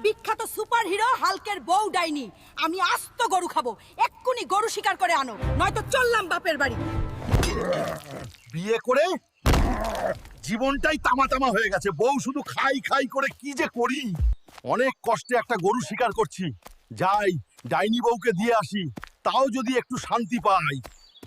বিখ্যাত সুপারহিরো হাল্কের বউ ডাইনি। আমি আস্ত গরু খাবো। এক্ষুনি গরু শিকার করে আনো, নয়তো চললাম বাপের বাড়ি। বিয়ে করে জীবনটাই তামা তামা হয়ে গেছে। বউ শুধু খাই খাই করে কি যে করি। অনেক কষ্টে একটা গরু শিকার করছি। যাই ডাইনি বউকে দিয়ে আসি, তাও যদি একটু শান্তি পাই।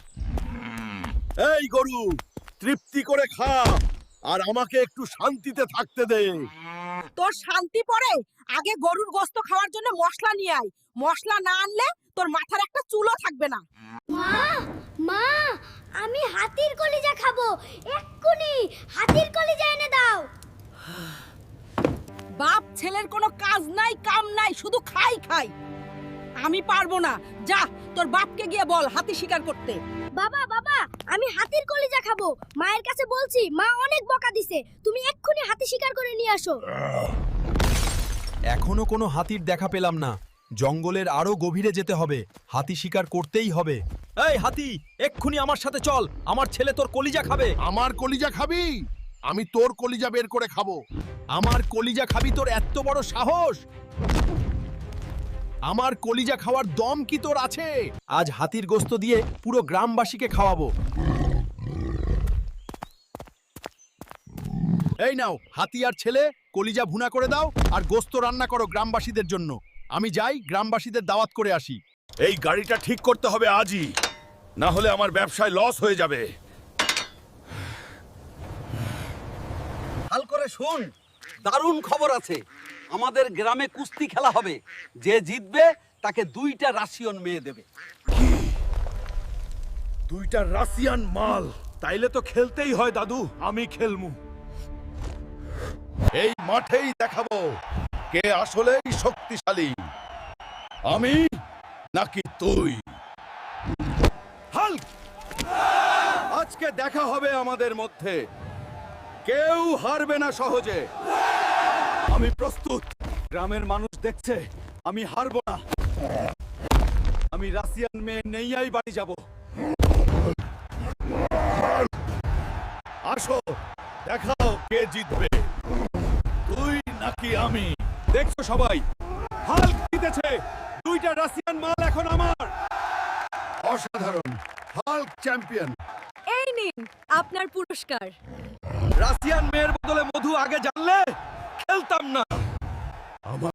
এই গরু, তৃপ্তি করে খা, আর আমাকে একটু শান্তিতে থাকতে দে। তোর শান্তি পড়ে, আগে গরুর গোশত খাওয়ার জন্য মশলা নিয়ে আয়। মশলা না আনলে তোর মাথার একটা চুলও থাকবে না। মা মা আমি হাতির কলিজা খাবো, এক্ষুনি হাতির কলিজা এনে দাও। বাপ ছেলের কোনো কাজ নাই কাম নাই, শুধু খাই খাই। আমি পারবো না, যা তোর বাপকে গিয়ে বল হাতি শিকার করতে। বাবা বাবা আমি হাতির কলিজা খাবো, মায়ের কাছে বলছি, মা অনেক বকা দিছে, তুমি এক্ষুনি হাতি শিকার করে নিয়ে আসো। এখনো কোনো হাতির দেখা পেলাম না। জঙ্গলের আরো গভীরে যেতে হবে, হাতি শিকার করতেই হবে। এই হাতি, এক্ষুনি আমার সাথে চল, আমার ছেলে তোর কলিজা খাবে। আমার কলিজা খাবি? আমি তোর কলিজা বের করে খাবো। আমার কলিজা খাবি? তোর এত বড় সাহস! আমার কলিজা খাওয়ার দম কি তোর আছে? আজ হাতির গোশত দিয়ে পুরো গ্রামবাসীকে খাওয়াবো। এই নাও, হাতি আর ছেলে, কলিজা ভুনা করে দাও আর গোশত রান্না করো গ্রামবাসীদের জন্য। আমি যাই গ্রামবাসীদের দাওয়াত করে আসি। এই গাড়িটা ঠিক করতে হবে আজই, না হলে আমার ব্যবসায় লস হয়ে যাবে। হাল করে শোন, দারুণ খবর আছে। আমাদের গ্রামে কুস্তি খেলা হবে, যে জিতবে তাকে 2টা রাশিয়ান মেয়ে দেবে। দুইটা রাশিয়ান মাল? তাইলে তো খেলতেই হয় দাদু। আমি খেলমু। এই মাঠেই দেখাবো কে আসলেই শক্তিশালী, আমি নাকি তুই। হাল্ক, আজকে দেখা হবে আমাদের মধ্যে। কেউ হারবে না সহজে। আমি প্রস্তুত। গ্রামের মানুষ দেখছে আমি হারবো না। আমি রাশিয়ান মেয়ে নেইয়াই বাড়ি যাব। আসো, দেখাও কে জিতবে, তুই নাকি আমি। দেখছো সবাই, হাল্ক জিতেছে। 2টা রাশিয়ান মাল এখন আমার। অসাধারণ, হাল্ক চ্যাম্পিয়ন। এই নিন আপনার পুরস্কার। রাশিয়ান মেয়ের বদলে মধু আগে জানলে খেলতাম না। আমার